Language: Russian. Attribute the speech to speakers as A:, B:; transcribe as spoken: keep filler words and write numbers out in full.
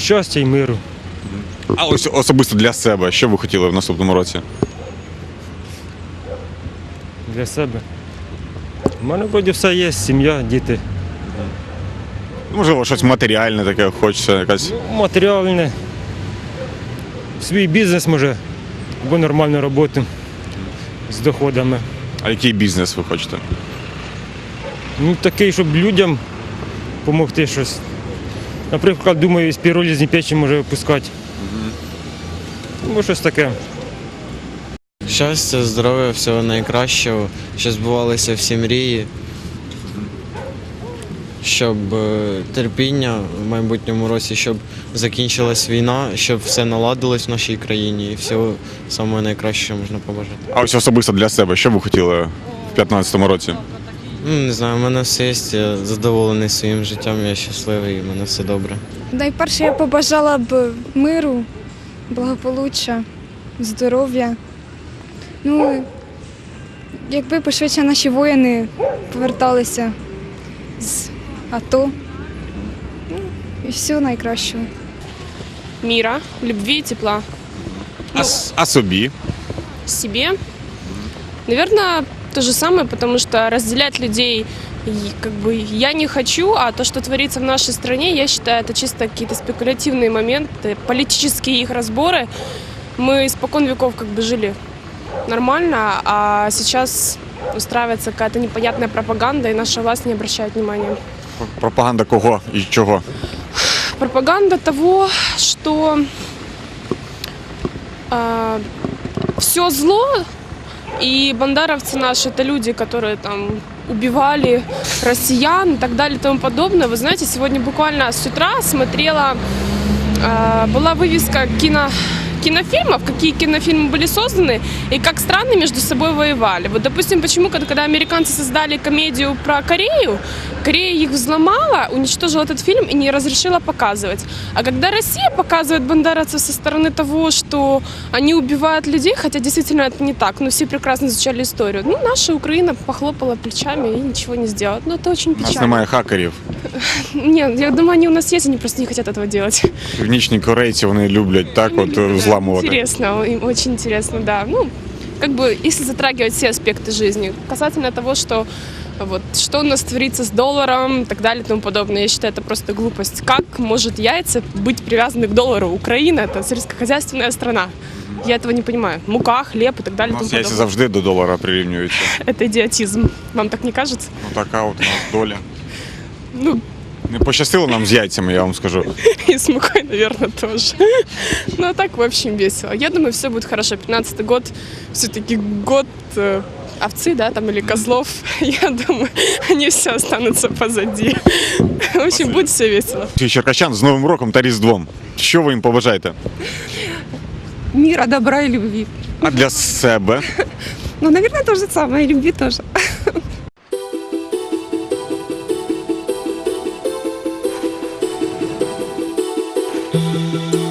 A: щастя і миру.
B: А ось особисто для себе, що ви хотіли в наступному році?
A: Для себе. У мене вроді все є, сім'я, діти.
B: Можливо, щось матеріальне таке хочеться, якась.
A: Ну, матеріальне. Свій бізнес може, або нормальну роботу з доходами.
B: А який бізнес ви хочете?
A: Ну, такий, щоб людям допомогти щось. Наприклад, думаю, з піролізні печі може випускати. Ну, щось таке.
C: Щастя, здоров'я, всього найкращого, щоб збувалися всі мрії, щоб е, терпіння в майбутньому році, щоб закінчилась війна, щоб все наладилось в нашій країні і всього самого найкращого можна побажати.
B: А ось особисто для себе, що ви хотіли в п'ятнадцятому році?
C: Ну, не знаю, у мене все є, я задоволений своїм життям, я щасливий, і в мене все добре.
D: Найперше я побажала б миру, благополуччя, здоров'я. Ну, якби пошвидше наші воїни поверталися з АТО. Ну, і всього найкращого.
E: Мира, любви и тепла.
B: А, с- а собі?
E: Себе. Наверное, то же самое, потому что разделять людей и, как бы я не хочу, а то, что творится в нашей стране, я считаю, это чисто какие-то спекулятивные моменты, политические их разборы. Мы испокон веков как бы жили нормально, а сейчас устраивается какая-то непонятная пропаганда, и наша власть не обращает внимания.
B: Пропаганда кого і чого?
E: Пропаганда того, что э, все зло, и бандеровцы наши это люди, которые там убивали россиян и так далее и тому подобное. Вы знаете, сегодня буквально с утра смотрела, э, была вывеска кино, кинофильмов, какие кинофильмы были созданы и как страны между собой воевали. Вот, допустим, почему, когда, когда американцы создали комедию про Корею, Корея их взломала, уничтожила этот фильм и не разрешила показывать. А когда Россия показывает бандеровцев со стороны того, что они убивают людей, хотя действительно это не так, но все прекрасно изучали историю, ну, наша Украина похлопала плечами и ничего не сделала. Ну, это очень
B: У нас
E: печально.
B: немає хакерів.
E: Нет, я думаю, они у нас есть, они просто не хотят этого делать.
B: Північні корейці, вони люблять так от
E: Да,
B: взламувати.
E: Интересно, им очень интересно, да. Ну, как бы, если затрагивать все аспекты жизни, касательно того, что вот, что у нас творится с долларом и так далее и тому подобное, я считаю, это просто глупость. Как может яйца быть привязаны к доллару? Украина – это сельскохозяйственная страна. Я этого не понимаю. Мука, хлеб и так далее
B: У
E: и тому
B: нас яйця
E: подобное.
B: завжди до долара прирівнюються.
E: Это идиотизм. Вам так не кажется?
B: Ну така от у нас доля.
E: Ну,
B: Не пощастило нам з яйцями, я вам скажу.
E: и с мукой, наверное, тоже. Ну, а так, в общем, весело. Я думаю, все будет хорошо. пятнадцатый год, все-таки год э, овцы, да, там, или козлов. Я думаю, они все останутся позади. В общем, будет все весело.
B: Черкащан з Новим роком та Різдвом. Що ви їм побажаєте?
F: Мира, добра и любви.
B: А для себе?
F: Ну, наверное, то же самое, и любви тоже.
G: Thank you.